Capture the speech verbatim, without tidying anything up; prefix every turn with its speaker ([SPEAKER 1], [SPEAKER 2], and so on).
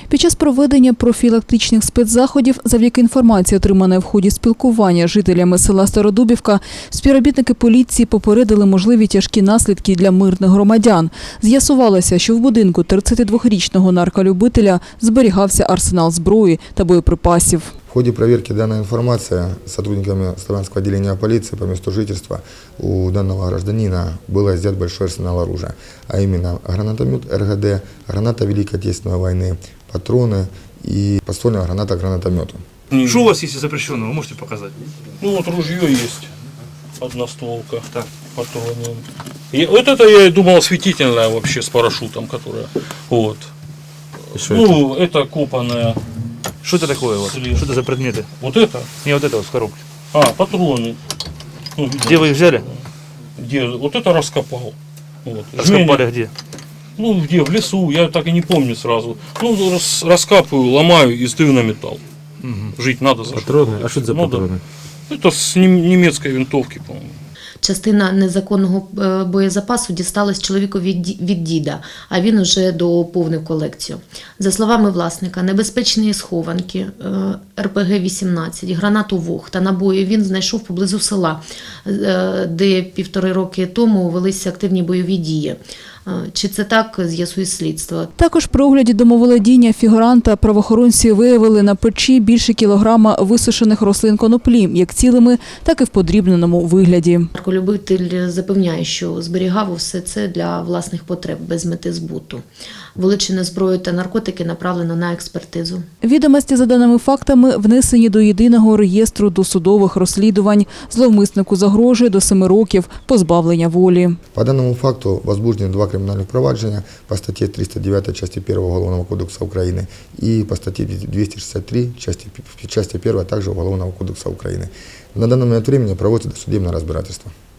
[SPEAKER 1] Під час проведення профілактичних спецзаходів, завдяки інформації, отриманої в ході спілкування з жителями села Стародубівка, співробітники поліції попередили можливі тяжкі наслідки для мирних громадян. З'ясувалося, що в будинку тридцятидвохрічного нарколюбителя зберігався арсенал зброї та боєприпасів.
[SPEAKER 2] В ходе проверки данной информации сотрудниками Славянского отделения полиции по месту жительства у данного гражданина был изъят большой арсенал оружия, а именно гранатомет эр гэ дэ, граната Великой Отечественной войны, патроны и подствольная граната к гранатомету.
[SPEAKER 3] Что у вас есть запрещенного, вы можете показать?
[SPEAKER 4] Ну вот ружье есть, одностволка, так, патроны. И вот это я думал осветительное вообще с парашютом, которое, вот. Ну, это, это копанное.
[SPEAKER 3] Что это такое? Вот? Что это за предметы?
[SPEAKER 4] Вот это?
[SPEAKER 3] Не вот это вот в коробке.
[SPEAKER 4] А, патроны. Ну,
[SPEAKER 3] Где вы их взяли?
[SPEAKER 4] Где? Вот это раскопал. Вот.
[SPEAKER 3] Раскопали
[SPEAKER 4] Жменя.
[SPEAKER 3] где?
[SPEAKER 4] Ну, где? В лесу, я так и не помню сразу. Ну, рас, раскапываю, ломаю и сдаю на металл. Угу. Жить надо за
[SPEAKER 5] Патроны? А что это за
[SPEAKER 4] ну,
[SPEAKER 5] патроны?
[SPEAKER 4] Да. Это с нем- немецкой винтовки, по-моему.
[SPEAKER 6] Частина незаконного е, боєзапасу дісталась чоловіку від, ді- від діда, а він уже доповнив колекцію. За словами власника, небезпечні схованки, е, ер пе ге вісімнадцять, гранату ВОГ та набої він знайшов поблизу села, е, де півтори роки тому велися активні бойові дії. Е, Чи це так, з'ясує слідство.
[SPEAKER 1] Також при огляді домоволодіння фігуранта правоохоронці виявили на печі більше кілограма висушених рослин коноплі, як цілими, так і в подрібненому вигляді.
[SPEAKER 6] Нарколюбитель запевняє, що зберігав усе це для власних потреб без мети збуту. Вилучену зброю та наркотики направлено на експертизу.
[SPEAKER 1] Відомості за даними фактами внесені до єдиного реєстру досудових розслідувань. Зловмиснику загрожує до семи років позбавлення волі.
[SPEAKER 2] По данному факту возбуждены два криминальных проваджения по статье триста девять части первой Уголовного кодекса Украины и по статье двести шестьдесят три части, части первой также Уголовного кодекса Украины. На данный момент времени проводится досудебное разбирательство.